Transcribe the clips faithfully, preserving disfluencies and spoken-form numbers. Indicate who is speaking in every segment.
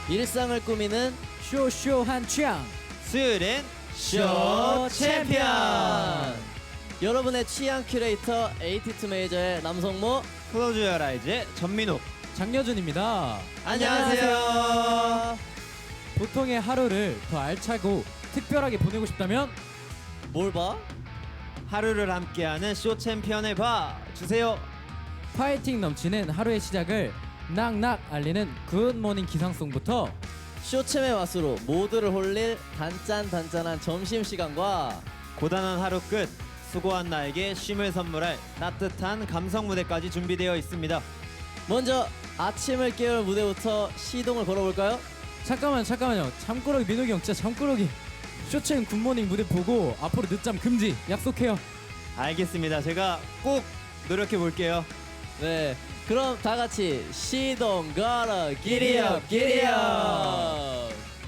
Speaker 1: 일상을 꾸미는
Speaker 2: 쇼쇼한 취향
Speaker 3: 수요일엔
Speaker 1: 쇼 챔피언. 여러분의 취향 큐레이터 에이티투 메이저의 남성모
Speaker 3: 클로즈 유어 아이즈의 전민호.
Speaker 2: 장여준입니다.
Speaker 1: 안녕하세요.
Speaker 2: 보통의 하루를 더 알차고 특별하게 보내고 싶다면
Speaker 1: 뭘 봐?
Speaker 3: 하루를 함께하는 쇼 챔피언을 봐 주세요.
Speaker 2: 파이팅 넘치는 하루의 시작을 낙낙 알리는 굿모닝 기상송부터
Speaker 1: 쇼챔의 맛으로 모두를 홀릴 단짠단짠한 점심시간과
Speaker 3: 고단한 하루 끝 수고한 나에게 쉼을 선물할 따뜻한 감성 무대까지 준비되어 있습니다.
Speaker 1: 먼저 아침을 깨울 무대부터 시동을 걸어볼까요?
Speaker 2: 잠깐만 잠깐만요. 잠꾸러기 민호기 형 진짜 잠꾸러기. 쇼챔 굿모닝 무대 보고 앞으로 늦잠 금지 약속해요.
Speaker 3: 알겠습니다. 제가 꼭 노력해 볼게요.
Speaker 1: 네, 그럼 다 같이 시동 걸어 기리업 기리업.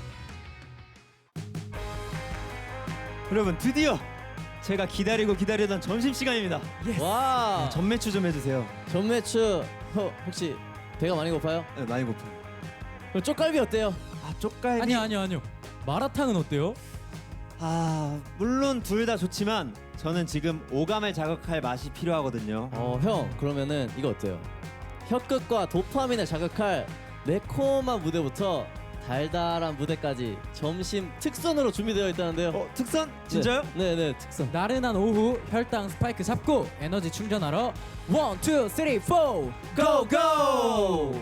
Speaker 3: 여러분 드디어 제가 기다리고 기다리던 점심 시간입니다.
Speaker 1: 와,
Speaker 3: 전매추 좀 해주세요.
Speaker 1: 전매추. 어, 혹시 배가 많이 고파요?
Speaker 3: 네, 많이 고파요.
Speaker 1: 그럼 쪽갈비 어때요?
Speaker 3: 아 쪽갈비.
Speaker 2: 아니요 아니요 아니요. 마라탕은 어때요?
Speaker 3: 아 물론 둘 다 좋지만 저는 지금 오감을 자극할 맛이 필요하거든요.
Speaker 1: 어, 형 그러면은 이거 어때요? 혀끝과 도파민을 자극할 매콤한 무대부터 달달한 무대까지 점심 특선으로 준비되어 있다는데요.
Speaker 3: 어 특선? 진짜요?
Speaker 1: 네, 네, 네, 특선.
Speaker 2: 나른한 오후 혈당 스파이크 잡고 에너지 충전하러 원, 투, 쓰리, 포
Speaker 1: 고! 고!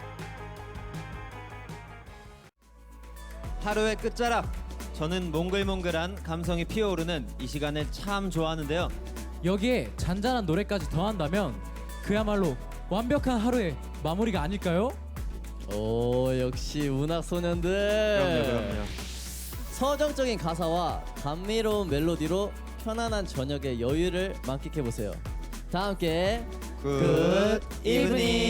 Speaker 3: 하루의 끝자락. 저는 몽글몽글한 감성이 피어오르는 이 시간을 참 좋아하는데요.
Speaker 2: 여기에 잔잔한 노래까지 더한다면 그야말로 완벽한 하루의 마무리가 아닐까요?
Speaker 1: 오, 역시 문학 소년들.
Speaker 3: 그럼요, 그럼요.
Speaker 1: 서정적인 가사와 감미로운 멜로디로 편안한 저녁의 여유를 만끽해 보세요. 다 함께
Speaker 3: 굿
Speaker 1: 이브닝.